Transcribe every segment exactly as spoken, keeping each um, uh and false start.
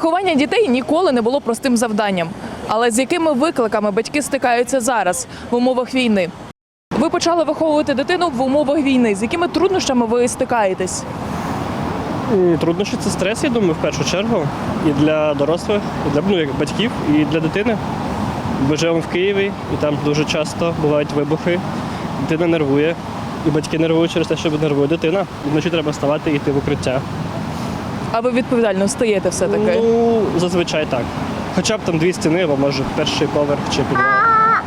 Виховання дітей ніколи не було простим завданням. Але з якими викликами батьки стикаються зараз в умовах війни? Ви почали виховувати дитину в умовах війни. З якими труднощами ви стикаєтесь? Труднощі – це стрес, я думаю, в першу чергу. І для дорослих, і для ну, як батьків, і для дитини. Ми живемо в Києві, і там дуже часто бувають вибухи. Дитина нервує, і батьки нервують через те, що нервує дитина. І вночі треба вставати і йти в укриття. А ви відповідально встаєте все-таки? Ну, зазвичай так. Хоча б там дві стіни, або може перший поверх чи підвал.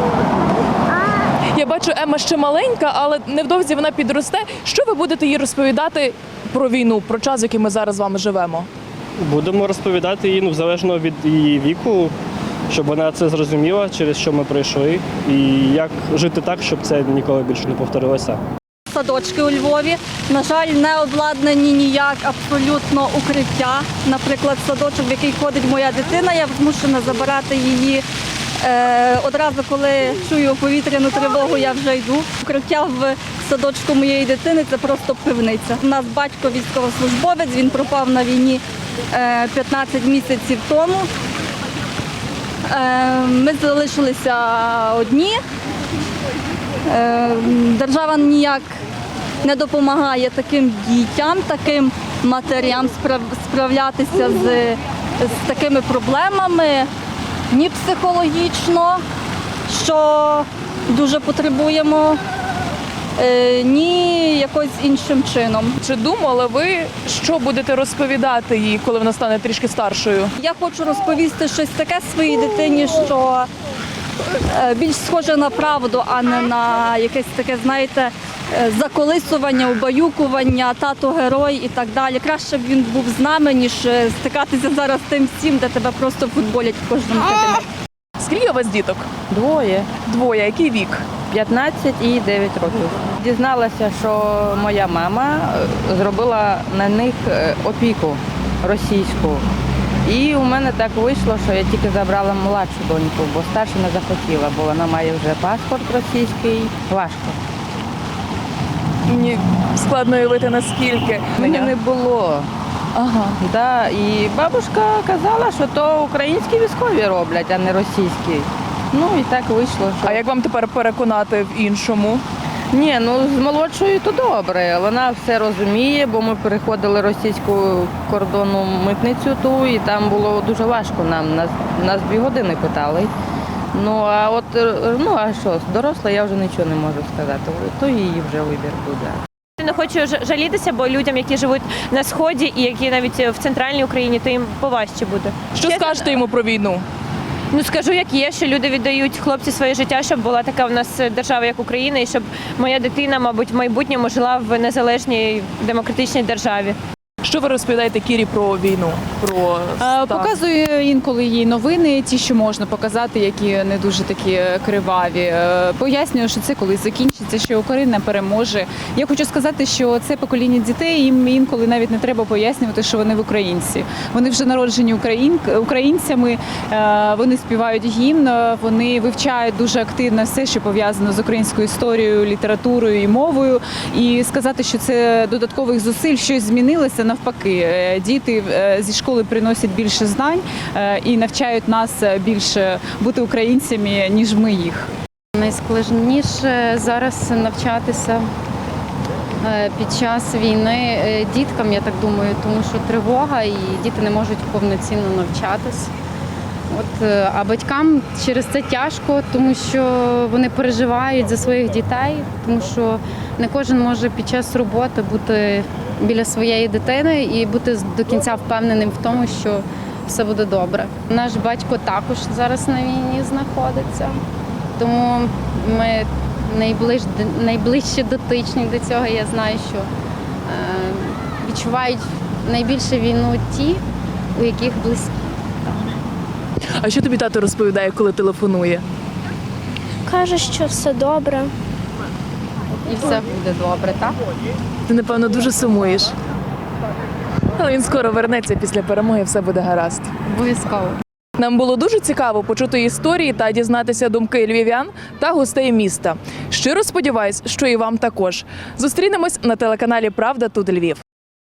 Я бачу, Емма ще маленька, але невдовзі вона підросте. Що ви будете їй розповідати про війну, про час, в який ми зараз з вами живемо? Будемо розповідати їй, ну, залежно від її віку, щоб вона це зрозуміла, через що ми пройшли, і як жити так, щоб це ніколи більше не повторилося. Садочки у Львові, на жаль, не обладнані ніяк абсолютно укриття. Наприклад, садочок, в який ходить моя дитина, я змушена забирати її. Е, одразу, коли чую повітряну тривогу, я вже йду. Укриття в садочку моєї дитини – це просто пивниця. У нас батько військовослужбовець, він пропав на війні е, п'ятнадцять місяців тому. Е, ми залишилися одні. Е, держава ніяк не допомагає таким дітям, таким матерям справлятися з, з такими проблемами. Ні психологічно, що дуже потребуємо, ні якось іншим чином. Чи думали ви, що будете розповідати їй, коли вона стане трішки старшою? Я хочу розповісти щось таке своїй дитині, що більш схоже на правду, а не на якесь таке, знаєте, заколисування, убаюкування, тато герой і так далі. Краще б він був з нами, ніж стикатися зараз з тим всім, де тебе просто футболять в кожному кабінеті. Скільки у вас діток? Двоє. Двоє. Який вік? п'ятнадцять і дев'ять років. Дізналася, що моя мама зробила на них опіку російську. І у мене так вийшло, що я тільки забрала младшу доньку, бо старша не захотіла, бо вона має вже паспорт російський. Важко. Мені складно уявити, наскільки. Мене не було. Ага. Да, і бабушка казала, що то українські військові роблять, а не російські. Ну і так вийшло. Що... А як вам тепер переконати в іншому? Ні, ну з молодшою то добре. Вона все розуміє, бо ми переходили російську кордонну митницю ту, і там було дуже важко нам. Нас, нас дві години питали. Ну а от, ну а що, доросла я вже нічого не можу сказати, то її вже вибір буде. Не хочу жалітися, бо людям, які живуть на Сході і які навіть в центральній Україні, то їм поважче буде. Що Чесно, скажете йому про війну? Ну скажу, як є, що люди віддають хлопці своє життя, щоб була така в нас держава, як Україна, і щоб моя дитина, мабуть, в майбутньому жила в незалежній демократичній державі. Що ви розповідаєте Кірі про війну? Про стан? Показую інколи їй новини, ті, що можна показати, які не дуже такі криваві. Пояснюю, що це колись закінчиться, що Україна переможе. Я хочу сказати, що це покоління дітей, їм інколи навіть не треба пояснювати, що вони в українці. Вони вже народжені україн... українцями, вони співають гімн, вони вивчають дуже активно все, що пов'язано з українською історією, літературою і мовою. І сказати, що це додаткових зусиль, щось змінилося, навпаки, діти зі школи приносять більше знань і навчають нас більше бути українцями, ніж ми їх. Найскладніше зараз навчатися під час війни діткам, я так думаю, тому що тривога і діти не можуть повноцінно навчатись. От, а батькам через це тяжко, тому що вони переживають за своїх дітей, тому що не кожен може під час роботи бути біля своєї дитини і бути до кінця впевненим в тому, що все буде добре. Наш батько також зараз на війні знаходиться, тому ми найближ, найближче дотичні до цього. Я знаю, що е, відчувають найбільше війну ті, у яких близькі. А що тобі тато розповідає, коли телефонує? Каже, що все добре. І все буде добре, так? Ти, напевно, дуже сумуєш. Але він скоро вернеться після перемоги, все буде гаразд. Обов'язково. Нам було дуже цікаво почути історії та дізнатися думки львів'ян та гостей міста. Щиро сподіваюсь, що і вам також. Зустрінемось на телеканалі «Правда. Тут Львів».